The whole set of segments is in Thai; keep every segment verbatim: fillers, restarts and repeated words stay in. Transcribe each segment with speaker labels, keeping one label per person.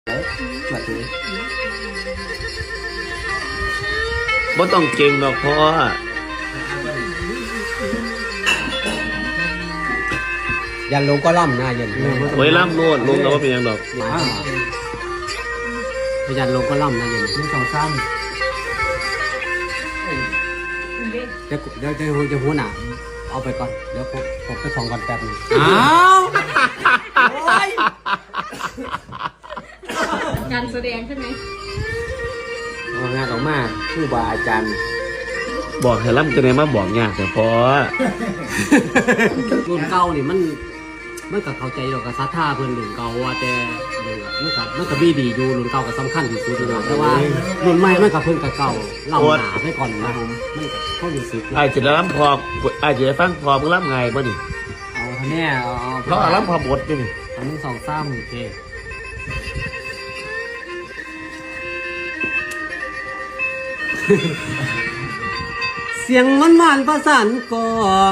Speaker 1: แบบนี้
Speaker 2: บ่ต้องเก่งดอกพ่อ
Speaker 1: ยันลงก็ล่ำนะยัน
Speaker 2: ไว้ล่ำโลดลงแล้วว่าเป็นยังดอก
Speaker 1: ยันลงก็ล่ำนะยัน
Speaker 3: มีสองซ้
Speaker 1: เดี๋ยวเดี๋ยวเดี๋ยวจะหัวหนาเอาไปก่อนเดี๋ยวผมผมไปส่องก่อนแป๊บนึง
Speaker 3: อ้าวโอ้ย
Speaker 4: การแสดงใช่ไหม
Speaker 1: เอางานออกมาผู้บาอาจารย์
Speaker 2: บอกให้ล่ำจะได้มาบอกยากแต่พ่อ
Speaker 1: รุ่นเก่านี่มันมันก็เข้าใจเราก็ซัดท่าเพื่อนรุ่นเก่าว่าแต่มันก็มันก็บีดีอยู่รุ่นเก่าก็สำคัญที่สุดอยู่แล้วแต่ว่ารุ่นใหม่มันก็เพิ่นกับเก่าเล่าหนาไปก่อนนะผมมันก็เข้ารู้สึก
Speaker 2: ไอ้จะได้ล่ำพอไอ้จะได้ฟังพอมึงล่ำไงบ่นี่
Speaker 1: เอาแน่เอา
Speaker 2: เพราะล่ำพอบทนี่นี่
Speaker 1: อันนึงสองสามโอเคเสียงมันหวานประสานกอง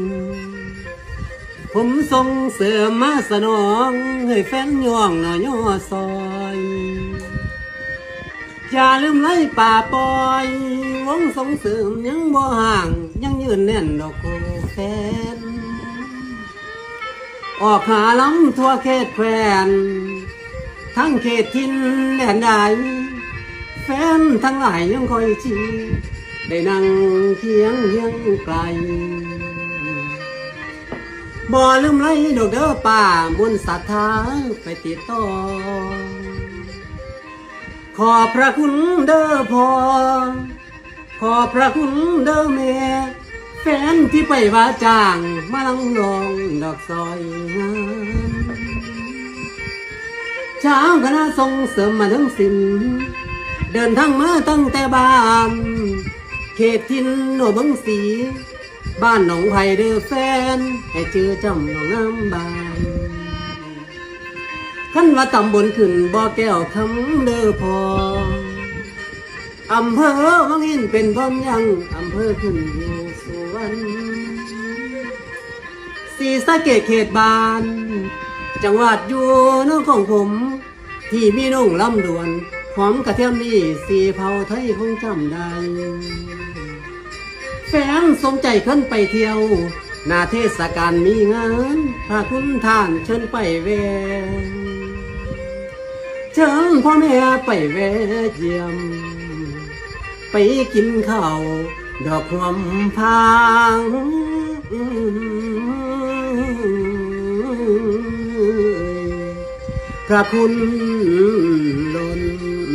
Speaker 1: ผมส่งเสริมมาสนองให้แฟนย่องหน่อยย่อซอยอย่าลืมไล่ป่าปล่อยวงส่งเสริมยังบ่ห่างยังยืนแน่นดอกโกแฟนออกหาล้ำทั่วเขตแควนทั้งเขตทินแดนใดแฟนทั้งหลายยังคอยชีได้นั่งเคียงเฮียงไกลบ่ลืมไล่ดอกเด้อป่าบุญศรัทธาไปติดต่อขอพระคุณเด้อพ่อขอพระคุณเด้อแม่แฟนที่ไปว่าจ้างมาลังลองดอกซอยงามเช้าคณะส่งเสริมมาทั้งสิ้นเดินทางมาตั้งแต่บ้านเขตทินโนบังสีบ้านหนองไผ่เด้อแฟนให้เจอจำหนองน้ำบานขั้นว่าตำบลขึ้นบ่อแก้วคำเด้อพออำเภอวังหินเป็นพร้อมยังอำเภอขึ้นอยู่สุวรรณศรีสะเกษเขตบ้านจังหวัดอยู่นอกของผมที่มีน้องลำดวนหอมกระเทียมนี่สีเผาไทยคงจำได้แฟนสมใจขึ้นไปเที่ยวหน้าเทศกาลมีงานพาคุณท่านเชิญไปแวะเชิญพ่อแม่ไปแวะเยี่ยมไปกินข้าวดอกหอมพางพระคุณล้น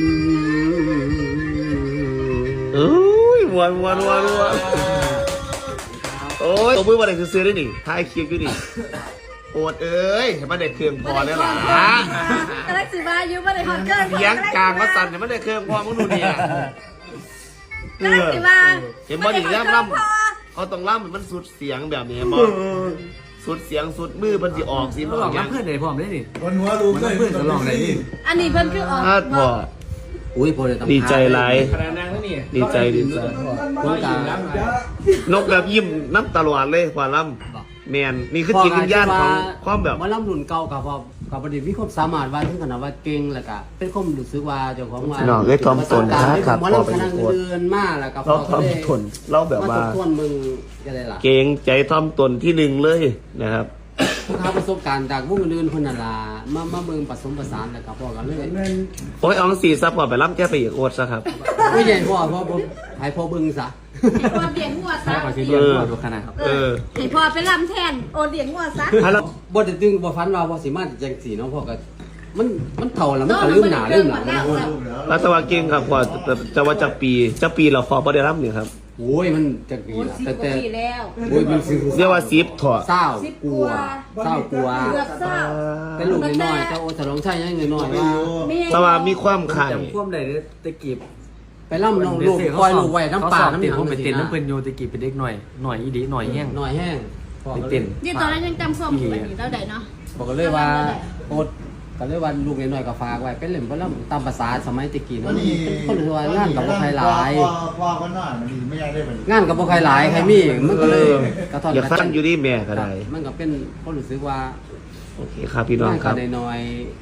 Speaker 2: เอ้ยวันวันวันวันโอ้ยตัวมือวันไหนซื้อได้หนิท้ายคลิปอยู่นี่โอดเอ้ยเห็นมันได้เครื่องพอได้หรอกฮะ
Speaker 4: กระลักสิบาอยู่มาในฮอตเกิน
Speaker 2: เสียงกลางมาสั่นเห็นมันได้เครื่องพอมึงดูดิอ่ะ
Speaker 4: กระลักสิบา
Speaker 2: เห็นบ่ดิย่ำล่ำเขาต้องล่ำมันสุดเสียงแบบนี้มั้งสุดเสียงสุดมือมันจะออกสิ
Speaker 3: ลองรับเพื่อนไหนพร้อมได้ดิ
Speaker 5: บนหัวรูปเลย
Speaker 3: เพื่อนจะลองไหนดิ
Speaker 4: อันนี้เพิ่นคือออก
Speaker 2: ถ้าพอ
Speaker 1: อุ้ยพอเลยต้อง
Speaker 2: ดีใจไร
Speaker 3: ขนาดนั้นแล้วนี่
Speaker 2: ดีใจดีใจ
Speaker 1: ต้องการ
Speaker 2: นกแบบยิ้มน้ำตลอดเลยกว่าล่ำแมนนี่คือจิตวิญญาณของความแบบ
Speaker 1: มาล่ำรุ่นเก่ากับพอกับประเด็นมีความสามารถว่าถึงขนาดว่าเก่งแล้วก็เป็นความรู้สึกว่าเจ้าของว่า
Speaker 2: น้องเอ้ยทอมตนครับ
Speaker 1: มาล่ำคณะเดินมาแล้วก็
Speaker 2: เราทอมตนเราแบบว่า
Speaker 1: มาทบทวนมึงอะไรล่ะ
Speaker 2: เก่งใจทอมตนที่หนึ่งเลยนะครับ
Speaker 1: ผู้ค้าประสบการณ์จากวงอื่นคนนั่นล่ะมามาเมืองผสมผสานแล้วก็พอกันเลย
Speaker 2: โอ้ยเอองสีซับพอไปล่ำแก้ไปอีกโอดซะครับ
Speaker 1: ไม่ใหญ่พ่อพ่อผมให้พ่อเบิ่งซะ
Speaker 4: ให้พ่อเลี้ยงหัวซะ
Speaker 3: ขอชี้เรียนก่อนดูขนาดครับ
Speaker 2: เออ
Speaker 4: ให้พ่อไปลำแทนโอเลี้ยงหัวซะ
Speaker 2: ถ้าเรา
Speaker 1: บ่ได้ตึงบ่ฟันว่าบ่สิมาจังสีเนาะพ่อก็มันมันเฒ่าแล้วมันก็ลืมหน้าลืมหลังนะ
Speaker 2: รัตวาเก่งครับพอจะจะว่าจากปีจะปีเราพอประเดี๋ยวล่ำเนี่ยครับ
Speaker 1: โอ้ยมันจังปี
Speaker 4: โอ้
Speaker 1: ล่ะ
Speaker 4: สิบ
Speaker 1: แต่
Speaker 4: กว่า
Speaker 1: แต่
Speaker 4: ปีแล้ว
Speaker 1: โอ้ยมันสิ
Speaker 2: เรียกว่าซิปถอด
Speaker 1: เศร้า
Speaker 4: สิบ
Speaker 1: กลัวเศร้ากลัว
Speaker 4: เกือบเศร้า
Speaker 1: เป็นลูกน้อยๆแต่โอ้ฉลองชัยยังน้อยๆว่า
Speaker 2: แต่ว่ามีความไข่
Speaker 3: จำพ่วงได้ตะกี้
Speaker 1: ไปล่ำน้องลูกปล่อยลูกไว้น้ำป่าน้ำห
Speaker 3: เต้น
Speaker 1: ยัง
Speaker 3: ผมไปเต้นน้ำเพื่อนโยตะกี้เป็นเด็กหน่อยหน่อยอีดีหน่อยแห้ง
Speaker 1: น้อยแห้งพ่อ
Speaker 3: ไป
Speaker 1: ก็เล
Speaker 3: เต้
Speaker 1: ย
Speaker 3: น
Speaker 4: นี่ตอนนั้นยังจำความอยู่อันนี้แล้วได้เนาะ
Speaker 1: บอกก็เลยว่าโอ๊ตก็เลยว่าลูกน้อยๆก็ฝากไว้เป็นเล่มบ่ล่ำตามภาษาสมัยตะกี้เนาะเป็นคนรู้ว่างานกับบ่ใครหลาย
Speaker 5: พ่อก็น่ามันดีไม่ได้ได้มัน
Speaker 1: งานกับบ่ใครหลายใครมีมันก็เลยกระท่อน
Speaker 2: อย่าฟังอยู่ที่แม่ก็ได้
Speaker 1: มันก็เป็นคนรู้สึกว่า
Speaker 2: โอเคครับพี่น้อง
Speaker 1: งาน
Speaker 2: ครั
Speaker 1: ก็
Speaker 2: บ
Speaker 1: ได้น้อยก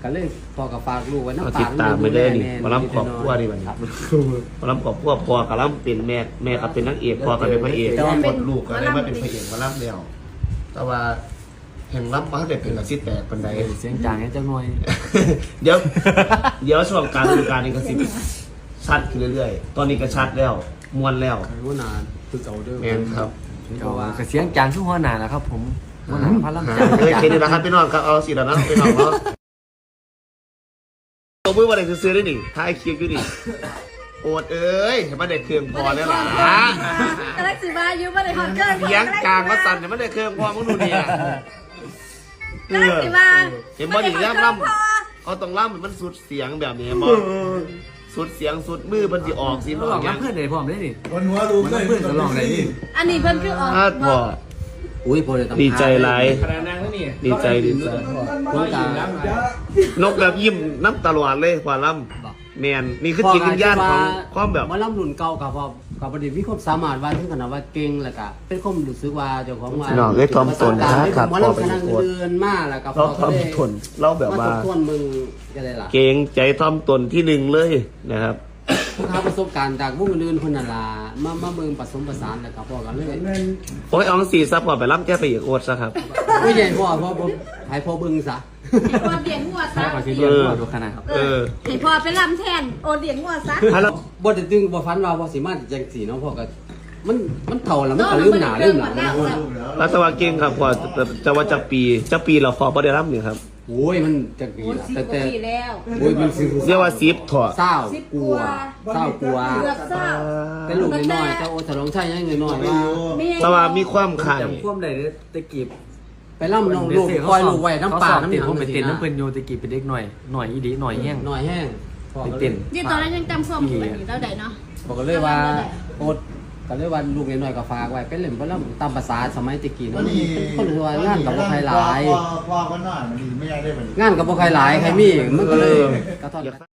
Speaker 1: ก็เลยพอกับฝากลูกไว้
Speaker 2: เอา
Speaker 1: น้ำ
Speaker 2: ติ
Speaker 1: ปา
Speaker 2: ด
Speaker 1: ก
Speaker 2: ตามไปเด้อนี่
Speaker 1: แ
Speaker 2: มาล้ำขอบครัวนี่บัดนี้
Speaker 1: ครับ
Speaker 2: มาล้ำขอบครัวพ่อกับล้ำเป็นแม่แม่ก็เป็นนางเอกพ่อก็เป็นพระเอก
Speaker 5: แต่ว่าคนลูกก็ได้มาเป็นพระเอกมาล่ำแล้ว
Speaker 2: แต่ว่าแห่งล้ำมาได้เป็นละสิแตกปันใด
Speaker 3: เสียงจางให้เจ้าหน่อย
Speaker 2: เดี๋ยวเดี๋ยวช่วงกลารฤดูกาลนี้ก็สิชัดขึ้นเรื่อยๆ ตอนนี้ก็ชัดแล้วมวนแล้ว
Speaker 1: รู้นานคือเก่าเด้อ
Speaker 2: แมนครับ
Speaker 3: ก็ว่าก็เสียงจางทุกหัวหน้าแหละครับ ผมหัวหน้าพระลำจาง
Speaker 2: เคยเคยดูนะครับพี่น้องครับเอาสิแล้วนะพี่น้องเนาะตัวมือวันไหนซื้อได้หนิท้ายคลิปอยู่นี่โอดเอ้ยเห็นมันได้เครื่องพอแล้วล่ะ
Speaker 4: กำลังสิมาอยู่บ่ได้ฮอดเกิน
Speaker 2: เสียงกลางก็สั่นเห็นมันได้เครื่องพอมึงดูเนี่ย
Speaker 4: กำลังสิมา
Speaker 2: เห็นบอดี้ย่ำล่ำเอาตรงล่ำมันสุดเสียงแบบนี้บอสุดเสียงสุดมือมันจะออกสิ
Speaker 3: เขาลองรับเพื่อนเลยพร้อมได้นี่
Speaker 5: คนหัวลูก
Speaker 3: มันเพื่อนก็ลองได้นี่
Speaker 4: อันนี้เพิ่นคือออก
Speaker 2: พลาดพอ
Speaker 1: อุ้ยพอเลย
Speaker 2: ดีใจหลาย
Speaker 3: ขนาดนางนี่
Speaker 2: ดีใจดีใจ
Speaker 1: คนกลาง
Speaker 2: นกแบบยิ้มน้ำตลอดเลยกว่าล่ำแมนนี่คือจิตวิญญาณของความแบบ
Speaker 1: มาล่ำรุ่นเก่ากับพอกับประเด็นมีความสามารถว่าถึงขนาดว่าเก่งแล้วก็เป็นความรู้สึกว่าเจ้าของว่า
Speaker 2: พี่น้องเอ้ยทอมตนนะครับ
Speaker 1: มาล่ำคณะเดินมาแล้วก็พ
Speaker 2: เรา
Speaker 1: อ
Speaker 2: ทอมทนเราแบบว่า
Speaker 1: ทวนมึงก็ได้ล่ะ
Speaker 2: เก่งใจทอมตนที่หนึ่งเลยนะครับ
Speaker 1: พวกเขาประสบการณ์จากวงอื่นคนนั่นล่ะมามาเมืองผสมผสานแล้วก็พอกันเลย
Speaker 2: โอ้ยเอองสีซับพอไปล่ำแก้ไปอีกโอดซะครับ
Speaker 1: ไม่ใหญ่พ่อพ่อพ่อให้พ่อเบิ่งซะ
Speaker 4: ให้พ่อเลี้ยงงัวซะ
Speaker 3: ก็คือเรียนหัวดูขนาด
Speaker 4: เออให้พ่อไปลำแทนโอเลี้ยงงัวซะ
Speaker 2: ฮัลโหล
Speaker 1: บ่ได้ตึงบ่ฝันว่าพ่อสิมาจังสีเนาะพ่อก็มันมันเฒ่าแล้วมันก็ลืมหน้าลืมหลังนะ
Speaker 2: รัตวาเก่งครับพอจะจะว่าจะปีจะปีเราพอบ่ได้รับนี่ครับ
Speaker 1: โอ้ยมันจักปี
Speaker 4: โอ้ย
Speaker 1: ละ
Speaker 4: สิบ
Speaker 1: แต่
Speaker 4: ก
Speaker 1: แต่
Speaker 4: ว่าปีแล้ว
Speaker 1: โอ้ยมันสิ
Speaker 2: เรียกว่าซีฟถอด
Speaker 1: เศร้า
Speaker 4: สิบ
Speaker 1: กลัว
Speaker 4: กว่า
Speaker 1: เศร้ากลัว
Speaker 4: เกือบเศร้า
Speaker 1: เป็นลูกน้อยๆแต่โอ้ถลองใช่ยังน้อยๆว่า
Speaker 2: สว่ามีความขาย
Speaker 3: จำความได้ตะกี้
Speaker 1: ไปล่ำน้องลูกปล่อยลูกไว้น้ำปลาน้ำห
Speaker 3: เต้น
Speaker 1: นัง
Speaker 3: ผมไปเต้นน้ำเพิ่นโยตะกี้เป็นเด็กหน่อยหน่อยอีดีหน่อยแห้ง
Speaker 1: น้อยแห้งพ่อ
Speaker 3: ไป
Speaker 1: ก็ลย
Speaker 3: เต้น
Speaker 4: นี่ตอนนั้นยังจำความอยู่อันนี้เราได้เนาะ
Speaker 1: บอกกันเลยว่าโอ๊ตก็เลยว่าลูกน้อยๆก็ฝากไว้เป็นเล่มเพราะล่ำตามภาษาสมัยตะกี้เนาะคนรู้ว่างานกับบ่ใครหลาย
Speaker 5: พ่อพ่อก็นอนมันดีไม่ได้ได้มัน
Speaker 1: งานกับบ่ใครหลายใครมีมันก็เลยกระทอน